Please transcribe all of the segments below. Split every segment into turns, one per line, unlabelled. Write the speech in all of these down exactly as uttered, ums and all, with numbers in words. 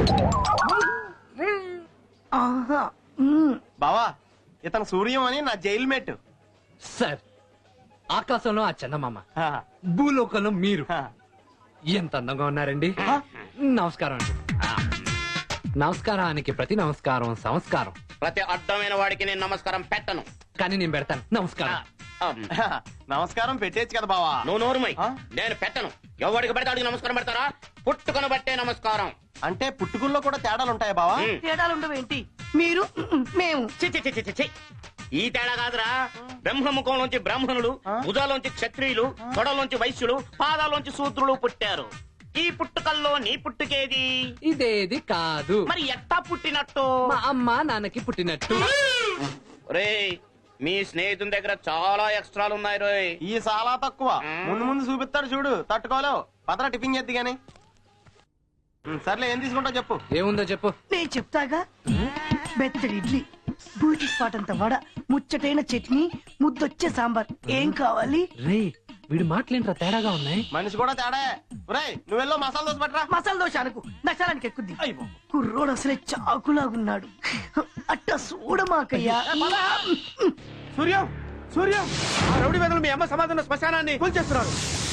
బావా ఇతను సూర్యం అని నా జైలు మేట్.
సార్ ఆకాశంలో ఆ చందమామ, భూలోకంలో మీరు ఎంత అందంగా ఉన్నారండి. నమస్కారం అండి. నమస్కారానికి ప్రతి నమస్కారం సంస్కారం.
ప్రతి అడ్డమైన వాడికి నేను నమస్కారం పెట్టను,
కానీ నేను పెడతాను. నమస్కారం.
నమస్కారం పెట్టేచ్చు కదా బావా.
నువ్వు నోరుమై. నేను పెట్టను. ఎవడికి పెడితే అడిగి నమస్కారం పెడతారా? పుట్టుకొని బట్టే నమస్కారం.
అంటే పుట్టుకుల్లో కూడా తేడాలు ఉంటాయా బావా?
తేడాలు ఉండవేంటి? మీరు మేము
చి చి చి చి చి. ఈ తేడా కాదురా. బ్రహ్మముఖంలోంచి బ్రాహ్మణులు, భుజాలోంచి క్షత్రియులు, తొడలోంచి వైశ్యులు, పాదాలోంచి శూద్రులు పుట్టారు. ఈ పుట్టుకల్లో నీ పుట్టుకేది?
ఇదేది కాదు.
మరి ఎట్టా పుట్టినట్టు?
మా అమ్మ నాన్నకి పుట్టినట్టు.
రేయ్, మీ స్నేహితుని దగ్గర చాలా ఎక్స్ట్రాలు ఉన్నాయి రోయ్.
ఈ చాలా తక్కువ. ముందు ముందు చూపిస్తాడు చూడు, తట్టుకోలేవు. పదరా టిఫిన్ చేద్ది గాని. సర్లే, ఏం తీసుకుంటావు చెప్పు.
ఏముందో చెప్పు.
నేను చెప్తాగా. బెత్తడి ఇడ్లీ, బూటి స్పాట్ అంత వడ, ముచ్చటైన చట్నీ, ముద్దొచ్చే సాంబార్. ఏం కావాలి?
రే, వీడి మాటలేంట్రా తేడాగా ఉన్నాయి.
మనిషి కూడా తేడా. ఒరేయ్, నువ్వెల్లో మసాలా దోశ పట్టరా.
మసాలా దోశ అనుకు, నశాలానికి ఎక్కుద్ది. కుర్రోడు అసలే చాకులాగున్నాడు. అట్ట చూడమాకయ్యా.
సూర్యం, సూర్యం,
ఆ రౌడీ వెదలు మీ అమ్మ సమాధాన శ్మశానాన్ని కూల్చేస్తున్నారు.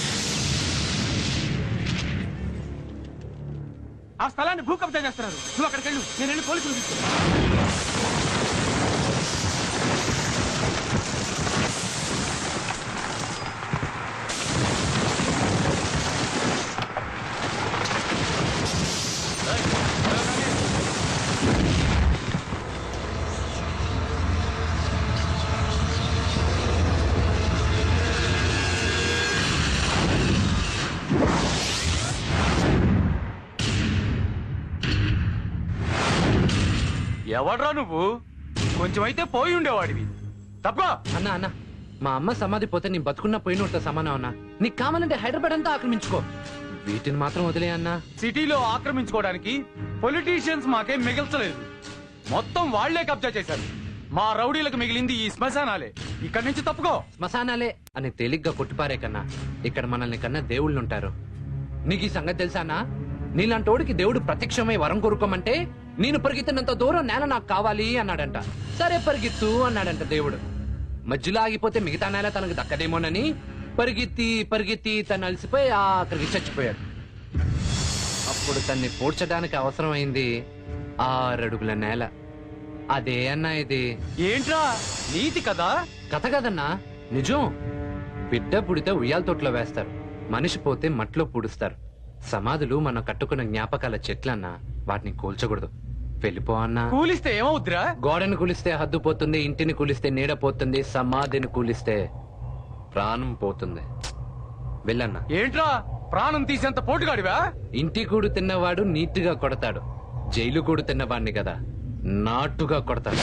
ఆ స్థలాన్ని భూ కబ్జా చేస్తున్నారు. నువ్వు అక్కడికి వెళ్ళు, నేను వెళ్ళి పోలీసులు తీసుకున్నాను. ఎవడ్రా నువ్వు? కొంచెం అయితే పోయి ఉండేవాడివి. తప్ప
అన్నా అన్నా, మా అమ్మ సమాధి పోతే నీ బతుకున్నా పోయినట్టు సమానం అన్నా. నీకు కావాలంటే హైదరాబాద్ అంతా ఆక్రమించుకో, వీటిని మాత్రం వదిలే అన్నా.
సిటీలో ఆక్రమించుకోవడానికి పొలిటీషియన్స్ మాకేం మిగల్చలేదు. మొత్తం వాళ్లే కబ్జా చేశారు. మా రౌడీలకు మిగిలింది ఈ శ్మశానాలే. ఇక్కడి నుంచి తప్పుకో.
శ్మశానాలే అని తేలిగ్గా కొట్టిపారే కన్నా ఇక్కడ మనల్ని కన్నా దేవుళ్ళుంటారు. నీకు ఈ సంగతి తెలుసానా? నీలాంటోడికి దేవుడు ప్రత్యక్షమై వరం కోరుకోమంటే నేను పరిగెత్తినంత దూరం నేల నాకు కావాలి అన్నాడంట. సరే పరిగెత్తు అన్నాడంట దేవుడు. మధ్యలో ఆగిపోతే మిగతా నేల తనకు దక్కదేమోనని పరిగెత్తి పరిగెత్తి తను అలసిపోయి ఆఖరికి చచ్చిపోయాడు. అప్పుడు తన్ని పూడ్చడానికి అవసరమైంది ఆరడుగుల నేల. అదే అన్నా ఇది.
ఏంట్రా నీతి కదా?
కథ కదన్నా, నిజం. బిడ్డ పుడితే ఉయ్యాల తోటలో వేస్తారు, మనిషి పోతే మట్లో పూడుస్తారు. సమాధులు మనం కట్టుకున్న జ్ఞాపకాల చెట్లన్నా, వాటిని కూల్చకూడదు. వెళ్ళిపో అన్నా.
కూలిస్తే ఏమవుద్దిరా?
గోడను కూలిస్తే హద్దు పోతుంది, ఇంటిని కూలిస్తే నీడ పోతుంది, సమాధిని కూలిస్తే ప్రాణం పోతుంది. వెళ్ళన్నా.
ఏంట్రా ప్రాణం తీసేంత పోటుగాడివా?
ఇంటి కూడు తిన్నవాడు నీట్గా కొడతాడు, జైలు కూడు తిన్నవాడిని కదా నాటుగా కొడతాడు.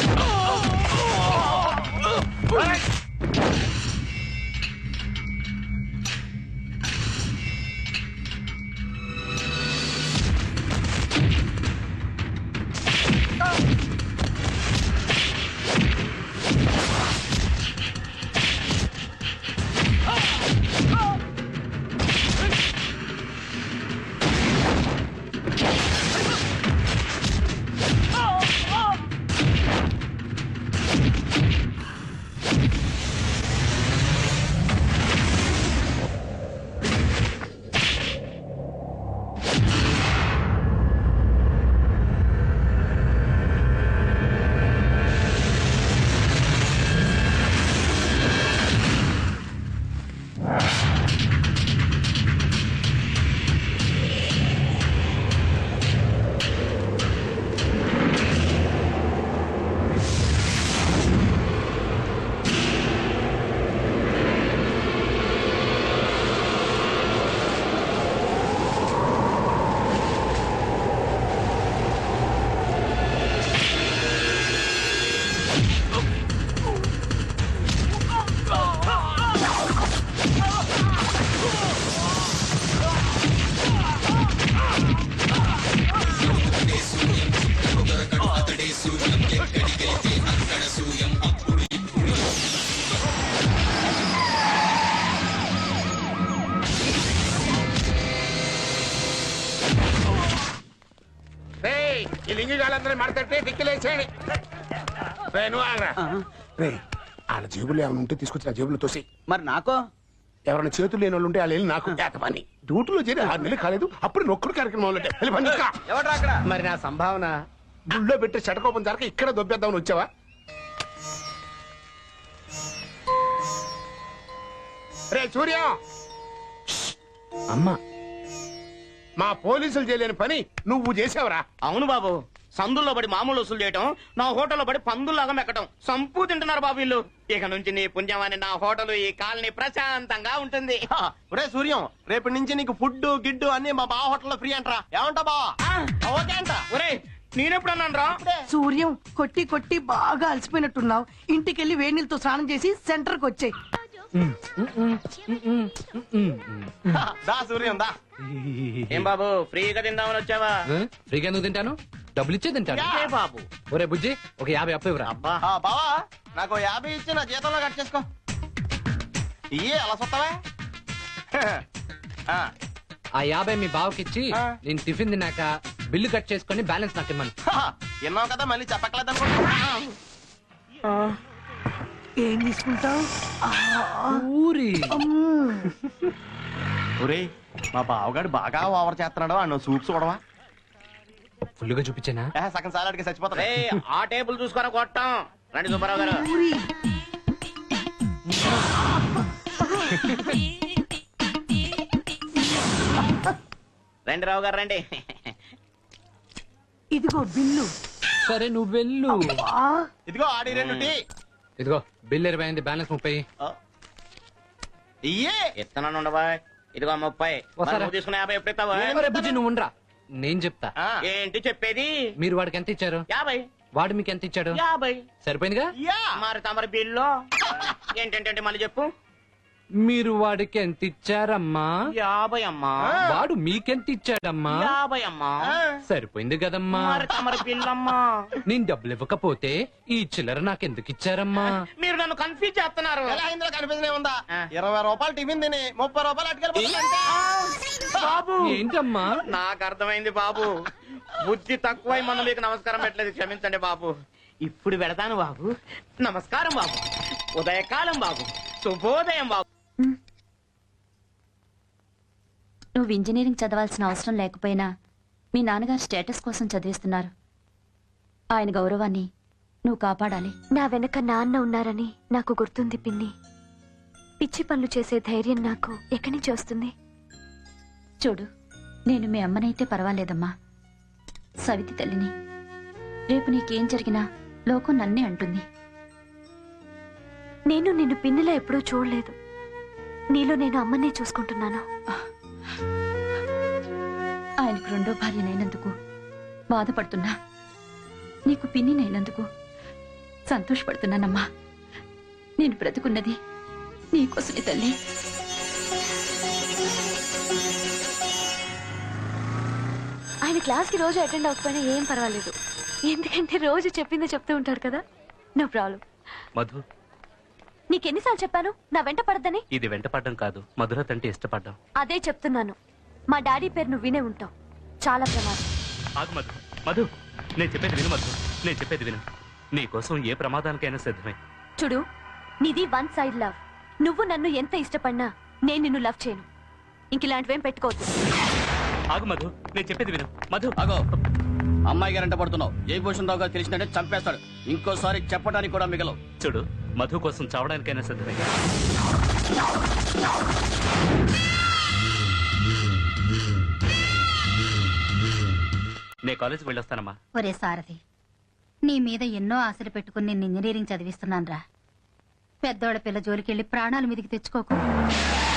ఈ లింగి గాలందరూ మడతట్టే దిక్కులేసేయండి. రే నువ్వు ఆగరా. రే వాళ్ళ జేబులో ఏమైనా ఉంటే తీసుకొచ్చి నా జేబులో తోసి.
మరి నాకో
ఎవరైనా చేతులు లేని వాళ్ళు ఉంటే వాళ్ళు వెళ్ళి నాకు ఏక పని. డ్యూటీలో చేరి ఆరు నెలలు కాలేదు అప్పుడు నొక్కుడు కార్యక్రమం మొదలెట్టావు. వెళ్ళి పని చూసుకో.
ఎవడ్రా అక్కడ?
మరి నా సంభావన గుళ్ళో పెట్టే షటకోపం జరక ఇక్కడ దొబ్బేద్దామని వచ్చావా? రే సూర్య,
అమ్మా
మా పోలీసులు చేయలేని పని నువ్వు చేసావురా.
అవును బాబు, సందుల్లో పడి మామూలు వసూలు చేయటం, నా హోటల్లో పడి పందుల్లాగా మెక్కటం, సంపూ తింటున్నారు బాబు వీళ్ళు. ఇక నుంచి నీ పుణ్యమని నా హోటల్ ఈ కాలనీ ప్రశాంతంగా ఉంటుంది.
ఒరే సూర్యం, రేపటి నుంచి నీకు ఫుడ్ గిడ్డు అన్ని మా బావ హోటల్లో ఫ్రీ అంటరా. ఏమంటా బావా? ఓకే అంట.
ఒరే నేనెప్పుడు అన్నాను రా?
సూర్యం కొట్టి కొట్టి బాగా అలసిపోయినట్టున్నావు. ఇంటికెళ్ళి వేడి నీళ్ళతో స్నానం చేసి సెంటర్ కి వచ్చాయి.
దా సూర్యం దా.
ఏం బాబు ఫ్రీగా తిందామని వచ్చావా?
ఆ? ఫ్రీగా ఎందుకు తింటాను? డబ్బులు ఇచ్చే తింటాను.
ఏ బాబు
ఒరే బుజ్జి, ఒక యాభై అప్పు ఇవ్వరా.
అబ్బా
ఆ, బావా నాకు యాభై ఇచ్చి నా జీతంలో కట్ చేసుకో. ఇయ్యే అలా సొత్తవే. ఆ,
ఆ యాభై మీ బావకి ఇచ్చి
ఆ.
నేను టిఫిన్ తిన్నాక బిల్లు కట్ చేసుకుని బ్యాలెన్స్ నాకు ఇమ్మను.
హా, విన్నావు కదా మళ్ళీ చెప్పట్లేదు అనుకుంటా.
ఏం తీసుకుంటావు?
ఊరి
ఒరే మా బావగాడు బాగా ఓవర్ చేస్తున్నాడు. అన్న సూప్ చూడవా?
ఫుల్గా చూపించానా?
ఏ, సగం సాలాడికి చచ్చిపోతాడు.
రే ఆ టేబుల్ చూసుకొని కొట్టాం. రండి సుబ్బారావు గారు.
ఊరి.
రండి రావు గారు రండి.
ఇదిగో బిల్లు.
సరే నువ్వు వెళ్ళు.
ఆ,
ఇదిగో ఆడి రెండు టీ.
ఇదిగో బిల్ ఇరవై అయింది, బ్యాలెన్స్ ముప్పై.
ఆ. ఇయ్యే
ఇస్తున్నాను ఉండవా? ఇదిగో ముప్పై. మరి
వస్తారా?
నువ్వు తీసుకున్న యాభై ఎప్పుడు ఇస్తావా?
ఒరే బుజ్జి నువ్వు ఉండరా, నేను చెప్తా.
ఆ,
ఏంటి చెప్పేది?
మీరు వాడికి ఎంత ఇచ్చారు?
యాభై.
వాడు మీకు ఎంత ఇచ్చాడు?
యాభై.
సరిపోయిందిగా.
యా.
మరి తమరి బిల్లు ఏంటంటే మళ్ళీ చెప్పు.
మీరు వాడికి ఎంత ఇచ్చారమ్మా?
యాభై అమ్మా.
వాడు మీకెంత ఇచ్చాడమ్మా?
యాభై అమ్మా.
ఆ.
సరిపోయింది కదమ్మా.
మరి తమరి బిల్లు అమ్మా.
నేను డబ్బులు ఇవ్వకపోతే ఈ చిల్లర నాకెందుకు ఇచ్చారమ్మా?
మీరు నన్ను కన్ఫ్యూజ్ చేస్తున్నారు.
ఎలా ఇందులో కనిపించనే ఉందా?
ఆ.
ఇరవై రూపాయలు టిఫిన్ తిని ముప్పై రూపాయలు అటుకెళ్ళిపోతుంది.
బాబు
ఏంటమ్మా?
నాకు అర్థమైంది బాబు. బుద్ధి తక్కువై మనం మీకు నమస్కారం పెట్టలేదు, క్షమించండి బాబు. ఇప్పుడు పెడతాను బాబు. నమస్కారం బాబు. ఉదయకాలం బాబు. శుభోదయం బాబు.
నువ్వు ఇంజనీరింగ్ చదవాల్సిన అవసరం లేకపోయినా మీ నాన్నగారు స్టేటస్ కోసం చదివిస్తున్నారు. ఆయన గౌరవాన్ని నువ్వు కాపాడాలి.
నా వెనక నాన్న ఉన్నారని నాకు గుర్తుంది పిన్ని. పిచ్చి పనులు చేసే ధైర్యం నాకు ఎక్కడి నుంచి వస్తుంది?
చూడు, నేను మీ అమ్మనైతే పర్వాలేదమ్మా, సవితి తల్లిని. రేపు నీకేం జరిగినా లోకం నన్నే అంటుంది.
నేను నిన్ను పిన్నిలా ఎప్పుడూ చూడలేదు. నీలో నేను అమ్మనే చూసుకుంటున్నాను.
ఆయనకు రెండో భార్యనైనందుకు బాధపడుతున్నా, నీకు పిన్నినైనందుకు సంతోషపడుతున్నానమ్మా. నేను బ్రతుకున్నది నీకోసమే తల్లి.
ఆయన క్లాస్కి రోజు అటెండ్ అవ్వకపోయినా ఏం పర్వాలేదు, ఎందుకంటే రోజు చెప్పిందే చెప్తూ ఉంటాడు కదా. No problem.
మధు,
నీకెన్నిసార్లు చెప్పాను నా వెంట పడద్దని?
ఇది వెంటపడ్డం కాదు, మధుర తంటే ఇష్టపడ్డం.
అదే చెప్తున్నాను. మా డాడీ పేరు నువ్వు వినే ఉంటావు. చాలా ప్రమాదం.
ఆగు మధు, మధు నేను చెప్పేది విను మధు, నేను చెప్పేది విను. నీ కోసం ఏ ప్రమాదానికైనా సిద్ధమే.
చూడు, నీది వన్ సైడ్ లవ్. నువ్వు నన్ను ఎంత ఇష్టపడినా నేను నిన్ను లవ్ చేయను. ఇంక ఇలాంటివేం పెట్టుకోవద్దు.
ఆగు మధు, నేను చెప్పేది విను. మధు
అగో, అమ్మాయి గారంట పడుతున్నావు. జయభూషణ్ రావు గారు తెలిసినట్టే చంపేస్తాడు. ఇంకోసారి చెప్పడానికి కూడా మిగలవు.
చూడు, మధు కోసం చావడానికైనా సిద్ధమే. నే కాలేజీకి వెళ్ళొస్తానమ్మా.
ఒరే సారథి, నీ మీద ఎన్నో ఆశలు పెట్టుకుని నేను ఇంజనీరింగ్ చదివిస్తున్నాను రా. పెద్దోళ్ళ పిల్ల జోలికెళ్ళి ప్రాణాలు మీదికి తెచ్చుకోకు.